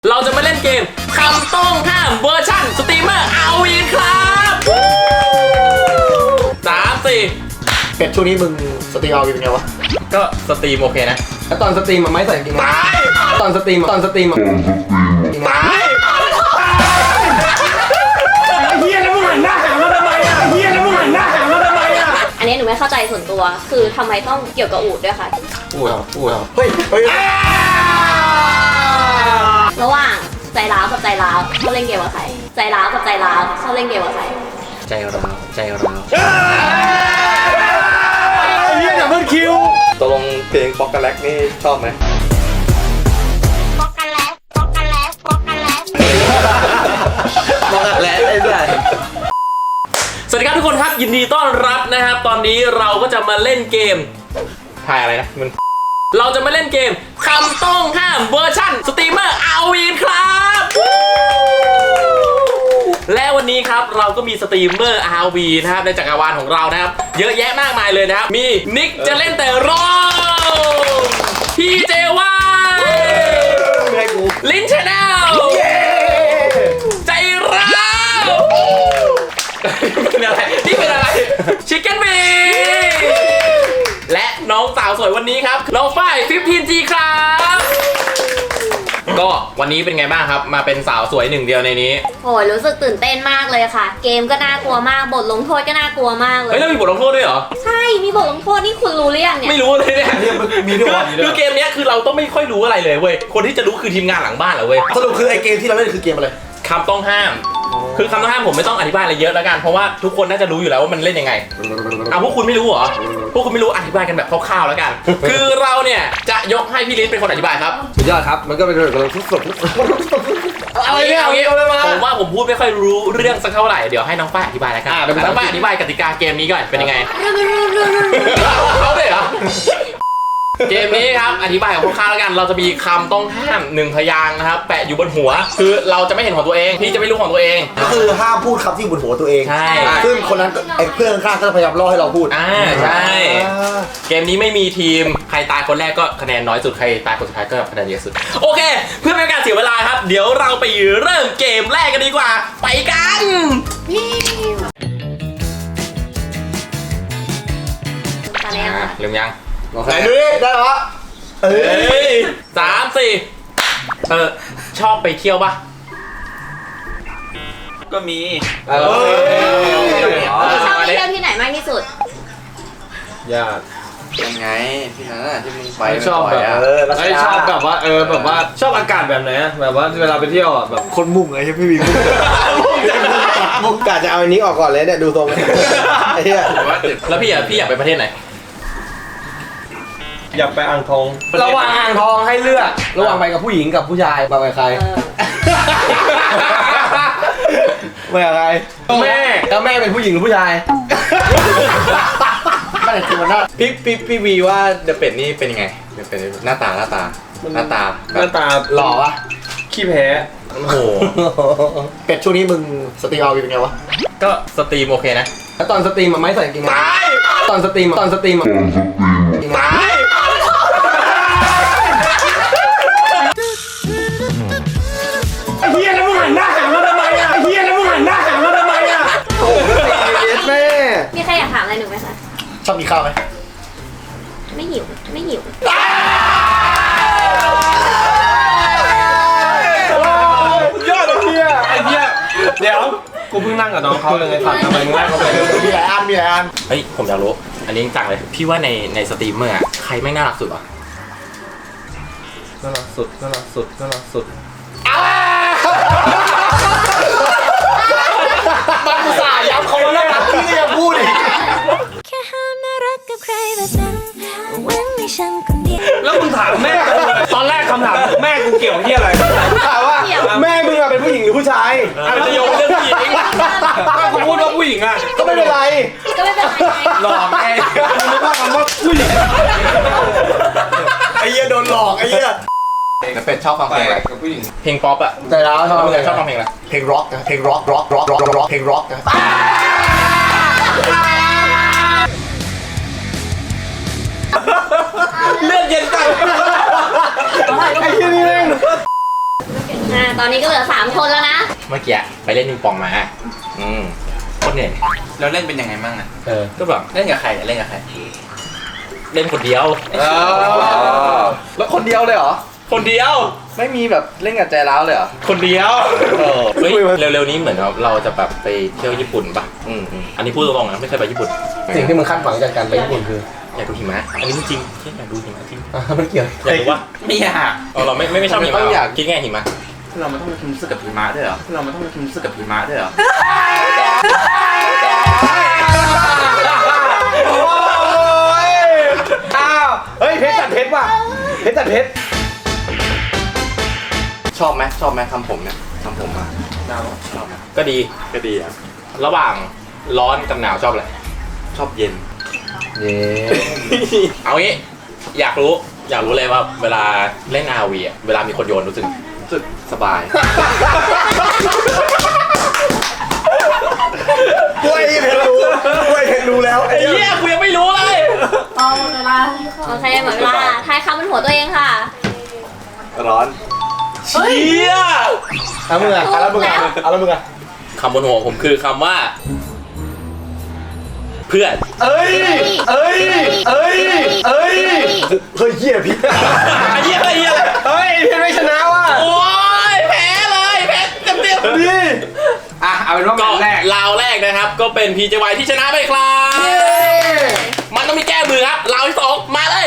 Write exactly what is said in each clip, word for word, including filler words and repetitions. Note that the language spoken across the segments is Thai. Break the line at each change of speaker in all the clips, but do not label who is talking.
เราจะมาเล่นเกมคำต้องห้ามเวอร์ชั่นสตรีมเมอร์เอาอีกครับสามสี่
เป็ดช่วงนี้มึงสตรีมเอาเป็นไงวะ
ก็สตรีมโอเคนะ
แล้วตอนสตรีมมันไม่ใส่จริงตายตอนสตรีมตอนสตรีมตายเฮียแล้วมึงหันหน้าหามาทำไมอ่ะเฮียแล้วมึงหันหน้าหามาทำไมอ่ะ
อันนี้หนูไม่เข้าใจส่วนตัวคือทำไมต้องเกี่ยวกับอูฐด้วยคะ
อูฐเหรออูฐเหรอเฮ้ยเฮ้ย
ระหว่างใจร้าวกับใจร้าวชอบเล่นเกมกับใครใจร้าวกับใจร้าวชอบเล่นเกมกับใคร
ใจร้าวใจร้าว
เฮียอย่าเพิ่งคิว
ตกลงเพลงป๊อกกะแล็กนี่ชอบไหม
ป๊อกกันแล้วป๊อกกันแล้วป๊อกกันแล้ว
ป๊อกกะแล็กได้ด้วย
สวัสดีครับทุกคนครับยินดีต้อนรับนะครับตอนนี้เราก็จะมาเล่นเกมทายอะไรนะมันเราจะมาเล่นเกมคำต้องห้ามเวอร์ชั่นสตรีมเมอร์เอาอีกครับและวันนี้ครับเราก็มีสตรีมเมอร์ อาร์ วี นะครับในจักรวาลของเรานะครับเยอะแยะมากมายเลยนะครับมีนิกจะเล่นแต่รอพี่เจวายลิ้นชาแนลใจร้าวเป็นอะไรนี่เป็นอะไรชิคเก้นบีและน้องสาวสวยวันนี้ครับน้องฝ้าย สิบห้า จี ครับก็วันนี้เป็นไงบ้างครับมาเป็นสาวสวยหนึ่งเดียวในนี้
โอ้ยรู้สึกตื่นเต้นมากเลยค่ะเกมก็น่ากลัวมากบทลงโทษก็น่ากลัวมากเลย
เฮ้ยแล้วมีบทลงโทษด้วยเหรอ
ใช่มีบทลงโทษนี่คุณรู้หรือยังเนี่ย
ไม่รู้เลยเนี่ย
มีด้วย
คือเกมนี้คือเราต้องไม่ค่อยรู้อะไรเลยเว้ยคนที่จะรู้คือทีมงานหลังบ้านเหรอเว้ย
สรุปคือไอเกมที่เราเล่นคือเกมอะไร
คำต้องห้ามคือคำต้องห้ามผมไม่ต้องอธิบายอะไรเยอะแล้วกันเพราะว่าทุกคนน่าจะรู้อยู่แล้วว่ามันเล่นยังไงเอาพวกคุณไม่รู้เหรอพวกคุณไม่รู้อธิบายกันแบบคร่าวๆแล้วกันคือเราเนี่ยจะยกให้พี่ลิ้นเป็นคนอธิบายครับ
สุดยอดครับมันก็เป็นเรื่องของทุกสุด
อะไรเนี่ยเอางี้ผมว่าผมพูดไม่ค่อยรู้เรื่องสักเท่าไหร่เดี๋ยวให้น้องฝ้ายอธิบายแล้วกันน้องฝ้ายอธิบายกติกาเกมนี้ก่อนเป็นยังไงเขาด้วยเหรอเกมนี้ครับอธิบายกับพวกข้าแล้วกันเราจะมีคำต้องห้ามหนึ่งพยางค์นะครับแปะอยู่บนหัวคือเราจะไม่เห็นของตัวเองพี่จะไม่รู้ของตัวเอง
ก็คือห้ามพูดคำที่บนหัวตัวเอง
ใช่
ซึ่งคนนั้นไอ้เพื่อนข้างก็จะพยายามล่อให้เราพูด
อ่าใช่เกมนี้ไม่มีทีมใครตายคนแรกก็คะแนนน้อยสุดใครตายคนสุดท้ายก็คะแนนเยอะสุดโอเคเพื่อไม่ให้การเสียเวลาครับเดี๋ยวเราไปเริ่มเกมแรกกันดีกว่าไปกัน
มาแล้วค่ะ
เริ่มยัง
ไหนดูดิได้เหรอเอ้
ยสามสี่เออชอบไปเที่ยวปะ
ก็มี
ชอบไปเที่ยวที่ไหนมากที่สุด
ญาติ
ยังไงที่นั่นน่ะที่มึงไป
ชอบแบบเออชอบแบบว่าเออแบบว่าชอบอากาศแบบไหนแบบว่าเวลาไปเที่ยวอ่ะแบบ
คนมุ่งไงใช่พี่วิวมุ่งกะจะเอาอันนี้ออกก่อนเลยเนี่ยดูตรงไอ้เหี้ย
แล้วพี่อ่ะพี่อยากไปประเทศไหน
อยากไปอ่างทอง
ระหว่างอ่างทองให้เลือกระหว่างไปกับผู้หญิงกับผู้ชายไปกับใครไปกับใครแม่แล้วแม่เป็นผู้หญิงหรือผู้ชายไม่ได้ตัวหน้า
พี่พี่พี่วีว่าเดอะเป็ดนี่เป็นยังไงเดอะเป็ดหน้าตาหน้าตาหน้าตา
หน้าตา
หล่อปะ
ขี้แพ้
โอ้โห
เป็ดช่วงนี้มึงสตรีมเอาเป็นไงวะ
ก็สตรีมโอเคนะ
แล้วตอนสตรีมมันไม่ใส่จริงตายตอนสตรีมตอนสตรีมตายเฮียแล้วมึงหันหน้าหามาทำไมอ่ะเฮียแล้วมึงหันหน้าหามาทำไมอ่ะโอ้โหแม่
มีใครอยากถามอะไรหนูไหมคะ
ชอบกินข้าวไหม
ไม่หิวไม่หิว
ยอดเลยเฮียไอ้เฮียเดี๋ยวกูเพิ่งนั่งกับน้องเขาเลยไงสั่งทำไมมึงนั่งเขาไป
มีหลายอันมีหลายอัน
เฮ้ยผมอยากรู้อันนี้จังเลยพี่ว่าในในสตรีมเมอร์อะใครไม่น่ารักสุดวะ
น่ารักสุดน่ารักสุดน่ารักสุด
มันอุตส่าห์ย้ำเขาแล้วนะพี่ก็ยังพูดอีก
แล้วมึงถามแม่ตอนแรกคำถามแม่กูเกี่ยวที่อะไร
ถามว่าแม่มึงเป็นผู้หญิงหรือผู้ชาย
อาจจะโยงเรื่องผู้หญิง
ถ้ากูพูดว่าผู้หญิงอ่ะ
ก็ไม่เป็นไร
ก็ไม่เป็นไร
หลอกไงมึงไม่ว่าคำว่าผู้หญิง
ไอ้เหี้ยโดนหลอกไอ้เหี้ย
แล้วเป็ดชอบฟังเพลงอะไรกับผู้หญิง
เพลงป๊อปอะ
แต่แล้วชอบ
ชอบฟังเพลงอะไร
เพลงร็อกนะเพลงร็อกร็อกร็อกร็อกร็อกเพลงร็อกนะ
เลือดเย็นจัง
ไอ้เหี้ยนี่แม่ง
อ่าตอนนี้ก็เหลือสามคนแล้วนะ
เมื่อกี้ไปเล่นปิงปองมาอืมโคตรเหนื่อย
แล้วเล่นเป็นยังไงบ้างอ่ะ
เออก็แบบ
เล่นกับใครอะเล่นกับใคร
เล่นคนเดียว
แล้วคนเดียวเลยเหรอ
คนเดียว
ไม่มีแบบเล่นกับใจร้าวเลยเหรอ
คนเดียวเฮ้ยเร็วๆนี้เหมือนเราเราจะแบบไปเที่ยวญี่ปุ่นป่ะ
อืมอืม
อันนี้พูดตรงๆนะไม่เคยไปญี่ปุ่น
สิ่งที่มึงคาดหวังจากการไปญี่ปุ่นคือ
อยากดูหิมะอันนี้จริงๆที่อยากดูหิมะจริง
อ่ะมันเกี่ยว
อยากดูว่า
ไม่อยาก
เออเราไม่ไม่ไม่ชอบหิมะ
ต้องอยาก
คิดไงหิมะ
เรามันต้องมีความรู้สึกกับหิมะด้วยเหรอเรามันต้องมีความรู้สึกกับหิมะด้วยเหรอ
โอ้ยอ้าวเฮ้ยเพชรตัดเพชรว่ะเพชรตัดเพชร
ชอบไหมชอบไหมทำผมเนี่ยทำผมอ่ะชอบไหม
ก็ดี
ก็ดีอ่ะ
ระหว่างร้อนกับหนาวชอบอะไร
ชอบเย็น
เย้
เอางี้อยากรู้อยากรู้เลยว่าเวลาเล่น อาร์ วี อ่ะเวลามีคนโยนรู้สึก
รู้สึกสบาย
กล้วยเพชรรู้กล้วยเพชรรู้แล้วไอ้
ไอ้เหี้ยกูยังไม่รู้เลย
เอาหมดเวลาโอเคหมดเวลาทายคำบนหัวตัวเองค่ะ
ร้อน
เชี่ย
เอามึงอ่ะเอาแล้วมึงอ่ะเอาแล้วมึงอ่ะ
คำบนหัวผมคือคำว่า เพื่อน
เอ้ยเอ้ยเอ้ยเอ้ย
เฮ้ยเหี้ยพี่
ไอ้เหี้ยไอ้เหี้ยอะไร
เฮ้ยเพชรไม่ชนะว่ะ
โอ้ยแพ้เลยแพ้เต็มเต็ม
นี่อ่ะเอาเป็นว่า
ก็
แมตช์แรก
ราวแรกนะครับ ก็เป็น พี เจ วาย ที่ชนะไปครับ มันต้องมีแก้มือครับราวที่สองมาเลย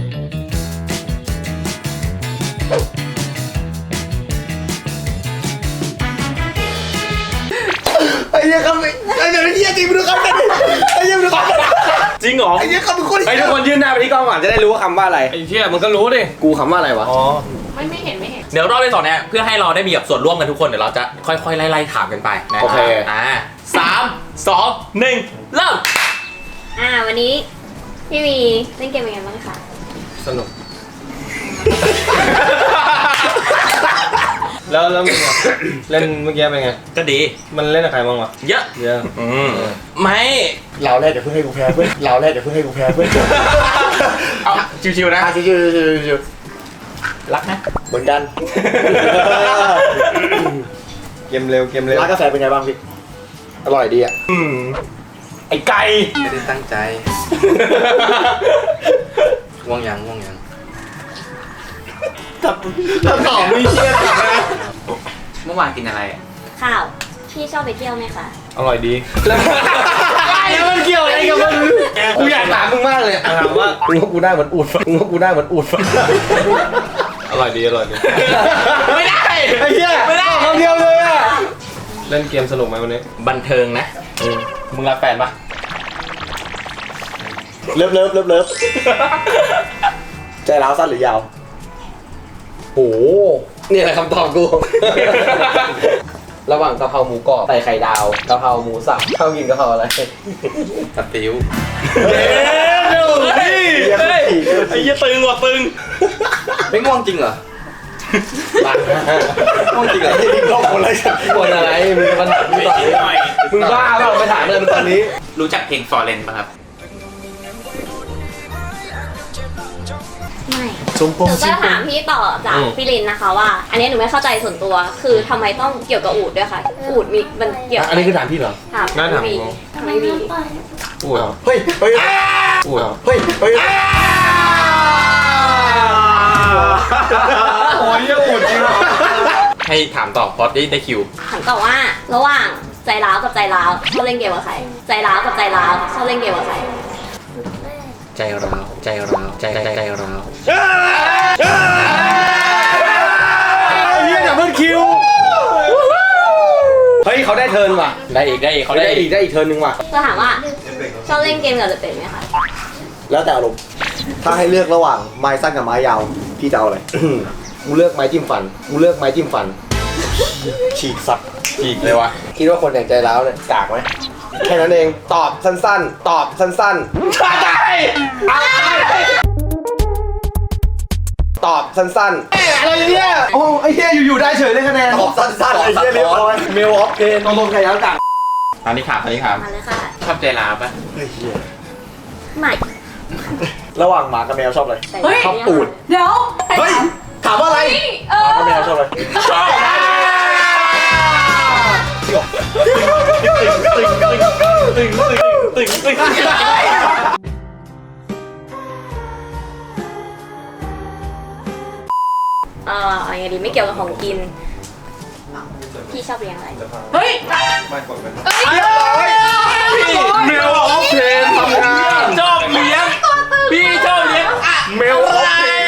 ไอ้เหี้ยคำไอ้เหี้ยจริงมึงดูคำกันดิไอ้เหี้ยมึงดูคำกัน
จริงเหรอ
ไอ้เหี้ยคำมึงโคตร
ไอ้ทุกคนยื่นหน้าไปที่กล้องก่อนจะได้รู้ว่าคำว่าอะไรไอ้เชี่ยมันก็รู้ดิกูคำว่าอะไรวะอ๋อ
ไม่ไม่เห็นไม่เห็น
เดี๋ยวรอบที่สองเนี่ยเพื่อให้เราได้มีแบบส่วนร่วมกันทุกคนเดี๋ยวเราจะค่อยๆไล่ๆถามกันไปนะ
โอเค
อ่าสามสองหนึ่งเริ่ม
อ่าวันนี้พี่วีเล่นเกมเป็นไงบ้างคะ
สนุกแล้วแล้วมึงอะเล่นเมื่อกี้เป็นไง
ก็ดี
มันเล่นกับใครบ้างวะ
เยอะ
เยอะ
อืมไม่
เราแรกเดี๋ยวเพิ่งให้กูแพ้เพื่อนเราแรกเดี๋ยวเพิ่งให้กูแพ้เพื่อน
เอาชิวๆนะ
อ่ะชิวชิวชิวชิว
รักนะ
เหมือนกัน
เกมเร็วเกมเร็ว
ร้านกาแฟเป็นไงบ้างพี่อร่อยดีอ่ะ
อืม
ไอ้ไก่
ไม่ได้ตั้งใจง่วงยังง่วงยัง
ถ้าตอบไม่เชื่อถามนะ
เมื่อวานกินอะไรอ่ะ
ข้าวพี่ชอบไปเที่ยวไหมคะ
อร่อยดี
แล้วมันเกี่ยวอะไรกับมันกูอยากถามมึงมากเลย
ถามว่า
มึงว่ากูได้เหมือนอูดมึงว่ากูได้เหมือนอูด
อร่อยดีอร่อยดี
ไม่ได้
ไอ้เหี้ย
ไม่ได้
คำเดียวเลยอ่ะ
เล่นเกมสนุกไหมวันนี้
บันเทิงนะมึงรักแฟนปะ
เลิฟเลิฟเลิฟเลิฟใจร้าวสั้นหรือยาวโอ้นี่แหละคำตอบกู ระหว่างกะเพราหมูกรอบใส่ไข่ดาวกะเพราหมูสับข้าวกินกะเพราอะไร
ตัดติ้ว
เฮ้ยเฮ้ยไอ้เหี้ยตึงว่ะตึง
ไม่ง่วงจริงเหรอ ง่วงจริงเหรอ
ไอ้นี่ก็คนอะไรคนอะไรมึงมาถามมึงตอนนี้มึงบ้าเปล่าไปถามอะไรมึงตอนนี้
รู้จักเพลงฟอร์เรนป่ะครับ
ไม่
ชมพ
ห
ง
นูจะถามพี่ต่อจากพี่ลินนะคะว่า อันนี้หนูไม่เข้าใจส่วนตัว คือทำไมต้องเกี่ยวกับอูดด้วยคะอูดมีมันเกี่ยว
อันนี้คือถามพี่เหรอ
ถาม
น่าถาม
พี่
กู
ทำไมวี
พูด
เฮ้ยเฮ้ย
พูด
เฮ้ยเฮ้ย
โอ้ยยังอุดจริงเหรอ
ให้ถามต่อเพราะได้ได้คิว
ถามต่อว่า ระหว่างใจร้าวกับใจร้าวชอบเล่นเกมกับใครใจร้าวกับใจร้าวชอบเล่นเกมกับใคร
ใจร้าวใจร้าวใจใจใจร้าว
เฮียดับเบิลคิว
เฮ้ยเขาได้เทิร์นว่ะ
ได้อีกได้อีกเขา
เขา
ได้
ได้
อี
อี
ก
กได้อีกเทิร์นหนึงว่ะ
จะถามว่าชอบเล่นเกมกับจะเป็นไหมคะ
แล้วแต่อารมณ์ถ้าให้เลือกระหว่างไม้สั้นกับไม้ยาวพี่จะเอาอะไร กูเลือกไม้จิ้มฟันกูเลือกไม้จิ้มฟันฉีกสัตว์
อีกเลยวะ
คิดว่าคนอย่างใจร้าวเนี่ยกากไหมแค่นั้นเองตอบสั้นๆ ตอบสั้นๆตอบสั้นๆอะไรเนี่ยโอ้ไอ้เหี้ยอยู่ๆได้เฉยเลยคะแนนตอบสั้นๆไอ้เหี้ยเรียบร้อยเมลออฟเพนตรงๆใครแล้วกาก
อันนี้ถามอันนี้ถาม
มาเลยค่ะ
ชอบใจร้าวป่ะ
ไอ้เหี้ย
ใหม่
ระหว่างหมากับแมวชอบอะไร
เฮ้ย
ชอบตูด
เดี๋ยว
เฮ้ยถามว่าอะไร
เออ
แมวชอบอะไร
ชอบ
ตึงตึงตึงตึงตึง
เออเอาไงดีไม่เกี่ยวกับของกิน พี่ชอบเลี้ยงอะไร
เฮ้ย
เรียบร้อยเมลออฟเพนทำงาน
ชอบเลี้ยงพี่ชอบเลี้ยงอะ
เมลออฟเพน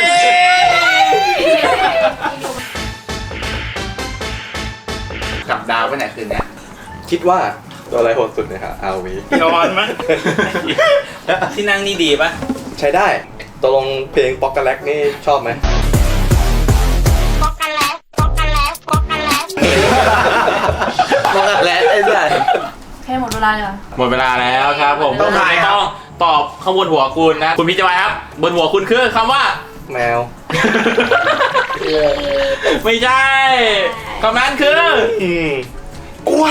กลับดาวไปไหนคืนเนี้ยคิดว่าตัวอะไรโหดสุดเนี่ยครับอาวี
นอนมั้ย
ที่นั่งนี่ดีปะ
ใช้ได้ตกลงเพลงป๊อกกะแลกนี่ชอบไหม
ป๊อกกันแล้วป๊อกกันแล้วป๊อกกันแล้ว
มองกันแล้วไอ้เหี้ย
แค่หมดเวลาเลยเหรอ
หมดเวลาแล้วครับผม
ต้องทายครับ
ต้องตอบข้างบนหัวคุณนะ คุณพี่จอยครับ บนหัวคุณคือคำว่า
แมว
ไม่ใช่คำนั้นคือ
อืม
กล้วย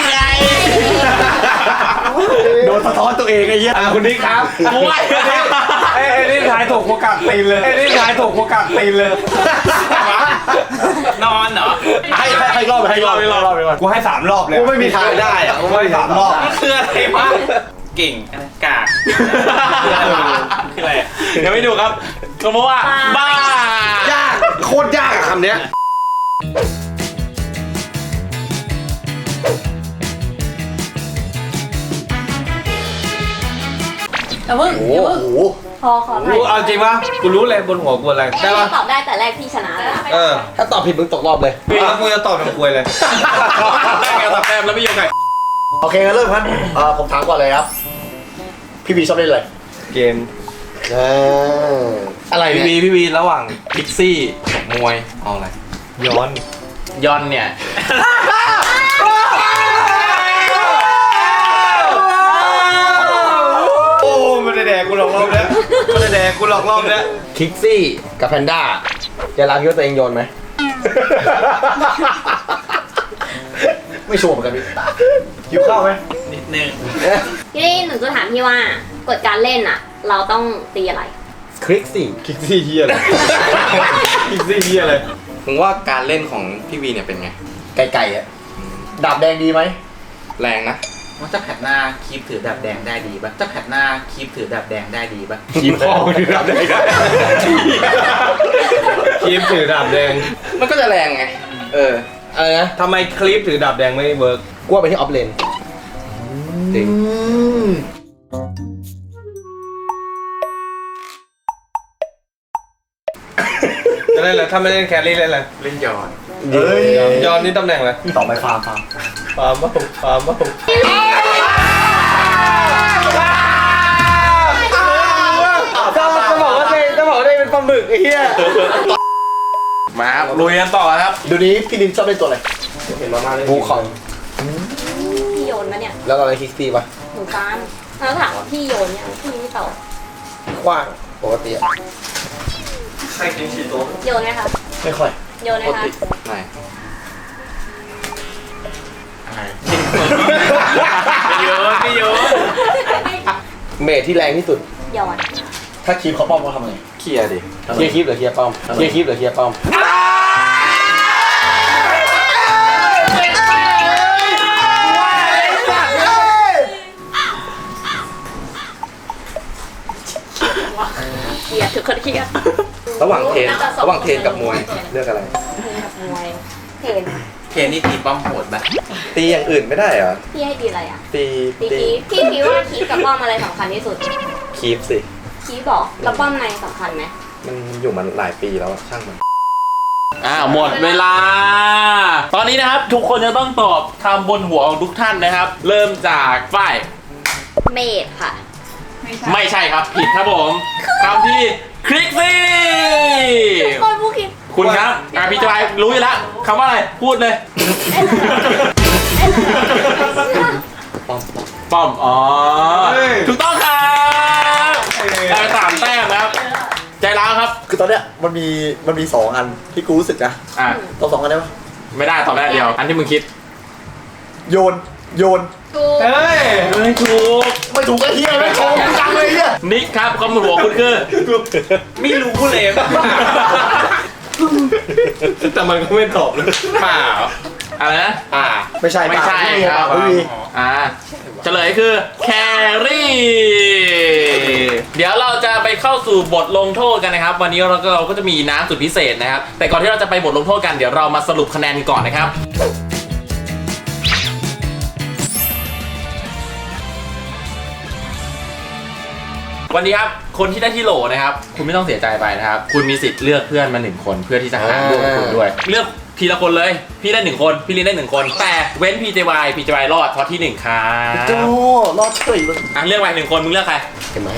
โดนสะท้อนตัวเองไอ้เหี้ย
อ่าคุณนิกครับ
กล้วย
ไอ้ไอ้นี่ทายถูกโอกาสตีนเลยไอ้นี่ทายถูกโอกาสตีนเลย
นอนเหรอ
ให้ให้ให้รอบไปให้รอบไปรอบไปรอบ
กูให้สามรอบเลย
กูไม่มีทางได้อะกูไม่มี
สามรอบ
มันคืออะไรวะ เก่งอะไรกากคืออะไรอะ
ยังไม่ดูครับคำว่าบ้าย
ากโคตรยากอะคำเนี้ย
แต่เพิ่ง
โอ้
เดี๋ยวเพิ่ง
โห
พอขอถ่าย
กูเอาจริงปะกูรู้เลยบนหัวกูอะไร
ถ้า
ได้
พี่
ปะ
ตอบได้แต่แรกพี่ชนะเลยนะ
เออ
ถ้าตอบผิดมึงตกรอบเลย
แล้วกูจะตอบทางกวยเลย
ได้ไงตอบแต้มแล้วไม่ยอมไง
โอเคงั้นเริ่มครับเอ่อผมถามก่อนเลยครับ พี่บีชอบเล่นอะไร
เกม
อ่าอะไร
พี่
เนี่
วี
ย
พี่วีระหว่างพิกซี่กับมวยเอาอะไร
ย้อน
ยอนเนี่ย
โอ้ไม่ได้แดกกูหลอกรอบแล้วไม่ได้แดกกูหลอกรอบแล้ว
คิกซี่กับแพนด้าจะรักคิดว่าตัวเองโยนไหม ไม่ชัวร์เหมือนกันพี่หิวข้าวไหม
นิดนึง
พี่นี่หนูจะถามพี่ว่ากฎการเล่นอ่ะ เราต้องตีอะไร
คลิกซี่
คิกซี่เฮียเลยคิกซี่เฮียเลย
มึงว่าการเล่นของพี่วีเนี่ยเป็นไง
ไก่ๆอ่ะดาบแดงดีไหม
แรงนะ
ว่าจะแผดหน้าคีบถือดาบแดงได้ดีปะจะแผดหน้าคีบถือดาบแดงได้ดีปะ
ทีมพ่อไม่ได้ดาบแดง
คลิปถือดาบแดง
มันก็จะแรงไง เออ
อะไรนะ
ทำไมคลิปถือดาบแดงไม่เวิร์ก
กลัวไปที่ออฟเลน
จริง
จะเล่นอะไรถ้าไม่เล่นแครี่เล่นอะไร
เล่นย้อน
เฮ้ย
ย้อนนี่ตำแหน่งอะไร
ต่อไปฟาร์มฟาร์ม
ฟาร์มบ้าฟาร์มบ้า
จะบอกว่าได้จะบอกว่าได้เป็นปลาหมึกไอ้เหี้ย
มาครับลุยกันต่อครับ
ดูนี้พี่ลินชอบเล่นตัวอะไร
เห็นมามาเลย
บูคอง
พี่โยนมาเนี่ย
แล้วอะไรคิกซี่ปะ
หนูฟ้านแล้วถามว่าพี่โยนยังพี่ไม่ตอบ
กว้างปกติอะ
ใครกินชีโต้
โยนไหมคะ
ไม่ค่อย
โยนไหม
ปก
คะ
ติไม่
พี่โยนพี่โยน
เมทที่แรงที่สุด
โยน
ถ้าคีบเขาป้อมเขาทำไง
เคลียร์ดิ
เคลียร์คีบหรือเคลียร์ป้อมเคลียร์คีบหรือเคลียร์ป้อม
เครียดทุกคนเครียด
ระหว่างเทรน
น่าจะสอง
ระหว่างเทรนกับมวย เลือกอะไร
เทนกับมวยเทน
เคนนี่ตีป้อมโหดปะ
ตีอย่างอื่นไม่ได้เหรอ
พี่ให้ตีอะไรอ่ะ
ตี
ตีคีบพี่คิดว่าคีบกับป้อมอะไรสำคัญที่สุด
คีปสิ
คีบบอกแล้วป้อมในสำคัญไหม
มันอยู่มาหลายปีแล้วอะช่างมัน
อ่าหมดเวลา ตอนนี้นะครับทุกคนจะต้องตอบคำบนหัวของทุกท่านนะครับ เริ่มจากฝ้าย
เมดค่ะ
ไม่ใช่ครับผิดครับผมคำที่คลิกซี่
คนผู้คิด
คุณครับอ่าพี่จอยรู้อยู่แล้วคำว่าอะไรพูดเลย
ป้อม
ป้อมอ๋อถูกต้องครับได้ไปสามแต้มนะครับ ใจร้าวครับ
คือตอนเนี้ยมันมีมันมีสองอันที่กูรู้สึกนะ
อ่ะ
ต้องสองอันได้ปะ
ไม่ได้ตอบได้เดียว อันที่มึงคิด
โยนโยน
ถูก
เฮ้ย
ไม่ถูก
ไม่ถูกก็เฮียไม่โกงจังเลยเฮีย
นิกครับคำบนหัวคุณคือ
ไม่รู้เลย
แต่มันก็ไม่ตอบเลย
เปล่า
อะไรนะ
อ่า
ไม่ใช่
ไม่ใช่
พี่
ครับ
พี่วี
อ่าเฉลยคือแครี่เดี๋ยวเราจะไปเข้าสู่บทลงโทษกันนะครับ วันนี้เราก็เราก็จะมีน้ำสุดพิเศษนะครับ แต่ก่อนที่เราจะไปบทลงโทษกันเดี๋ยวเรามาสรุปคะแนนก่อนนะครับ วันนี้ครับคนที่ได้ที่โหลนะครับ คุณไม่ต้องเสียใจไปนะครับ คุณมีสิทธิ์เลือกเพื่อนมาหนึ่งคนเพื่อที่จะหาร่วมกับคุณด้วย เลือกทีละคนเลย พี่ได้หนึ่งคนพี่ลินได้หนึ่งคน แต่เว้น พี เจ วาย พี เจ วาย รอดเพราะที่หนึ่งครับ
โจ้รอดเฉยเลย
อ่ะเลือกไปหนึ่งคนมึงเลือกใคร
เห็นไหม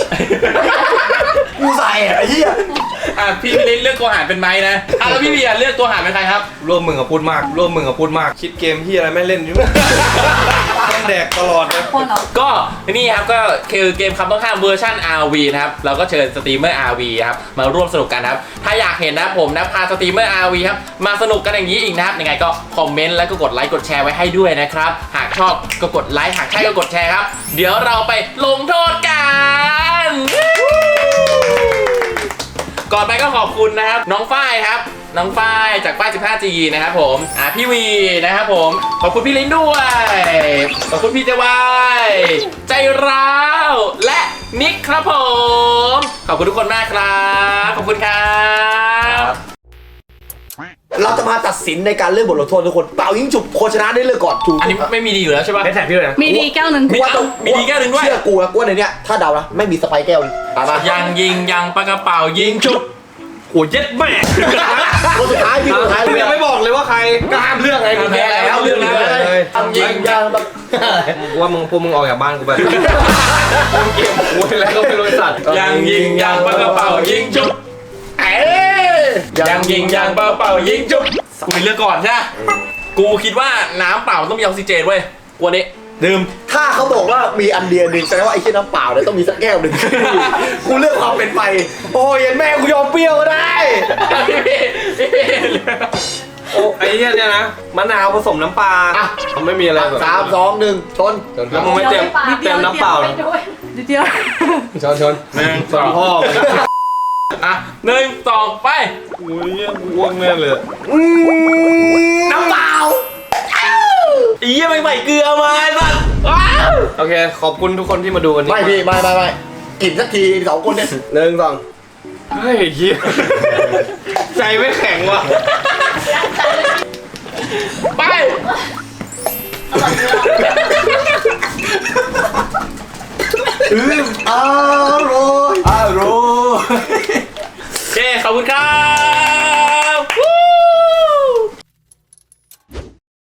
กูใส่อะไอ้เหี้ย
อ่ะพี่ลินเลือกตัวหารเป็นไม้นะอ่ะแล้วพี่เบียร์เลือกตัวหารเป็นใครครับ
ร่วมมึงกับพูดมากร่วมมึงกับพูดมาก คิดเกมที่อะไรไม่เล่นอยู่ต้องแดกตลอดเลย
คนเหรอ
ก็นี่ครับก็คือเกมคำต้องห้ามเวอร์ชัน อาร์ วี นะครับเราก็เชิญสตรีมเมอร์ อาร์ วี ครับมาร่วมสนุกกันครับถ้าอยากเห็นนะผมนะพาสตรีมเมอร์ อาร์ วี ครับมาสนุกกันอย่างนี้อีกนะครับยังไงก็คอมเมนต์แล้วก็กดไลค์กดแชร์ไว้ให้ด้วยนะครับหากชอบก็กดไลค์หากใช่ก็กดแชร์ครับเดี๋ยวเราไปลงโทษกันก่อนไปก็ขอบคุณนะครับน้องฝ้ายครับน้องฝ้ายจากฝ้าย สิบห้าจี นะครับผมอ่ะพี่วีนะครับผมขอบคุณพี่ลิ้นด้วยขอบคุณพี่เจวายใจร้าวและนิกครับผมขอบคุณทุกคนมากครับขอบคุณครับ
เราจะมาตัดสินในการเลือกบทลงโทษทุกคนเป่ายิงฉุบคนชนะได้เลือกก่อนถูก
อันนี้ไม่มีดีอยู่แล้วใช่ปะ
ไม่แท็กพี่เลยนะ
มีดีแก้วหนึ่ง
มีเอามีดีแก้วหนึ่งด้วย
เชื่อกูนะกูว่าในเนี้ยถ้าเดานะไม่มีสไปร์แก้วตามมา
ยังยิงยังปากกระเป๋ายิงชุบ
โอ้ยเย็ดแม่
คนสุดท้ายพี่คนสุดท้าย
กูยังไม่บอกเลยว่าใครก็ห้ามเรื่องไงกูแพ้แล้ว
เรื่องนี้เลย
ทำยิงยางแบบ
กูว่ามึงพวกมึงออกจากบ้านกูไปเล่นเกมกูแล้วก็ไม่รู้ไอ้สัตว์
ยังยิงยังปากกระเป๋ายิงชุบเอ้ยยังยิงยังปากกระเป๋ายิงชุบกูเป็นเลือกก่อนใช่ไหมกูคิดว่าน้ำเปล่ามันต้องมีออกซิเจนเว้ยกวนนี้ดื่ม
ถ้าเขาบอกว่ามีอันเดียวหนึ่งแสดงว่าไอ้เชี่ยน้ำเปล่าเนี่ยต้องมีสักแก้วหนึ่ง กูเลือกความเป็นไปโอ้ยเย็นแม่กูยอมเปรี้ยวก็ได้
โอ้ไอ้เนี่ยเนี่ยนะมะนาวผสมน้ำปลา
อ่ะ
มันไม่มีอะไรแบบ
สามสองหนึ่งชน
แล้วมึงไม่เต็มเต็มน้ำเปล่า
นิดเดียว
ชนชน
หนึ่งสอง
พ่อ
อ่ะหนึ่งสองไป
กูเนี่ยกูอ้วกแน่เลย
น้ำเปล่า
อีเยี่ยไม่ใส่เกลือมาไอ้สัสว้าว
โอเคขอบคุณทุกคนที่มาดูวันนี้
ไม่พี่ไม่ไม่ไม่กินสักทีสองคนเนี่ยหนึ่งสอง
เฮ้ยเฮียใจไม่แข็งว่ะ
ไป
อืมอร่อยอร่อย
โอเคขอบคุณครับ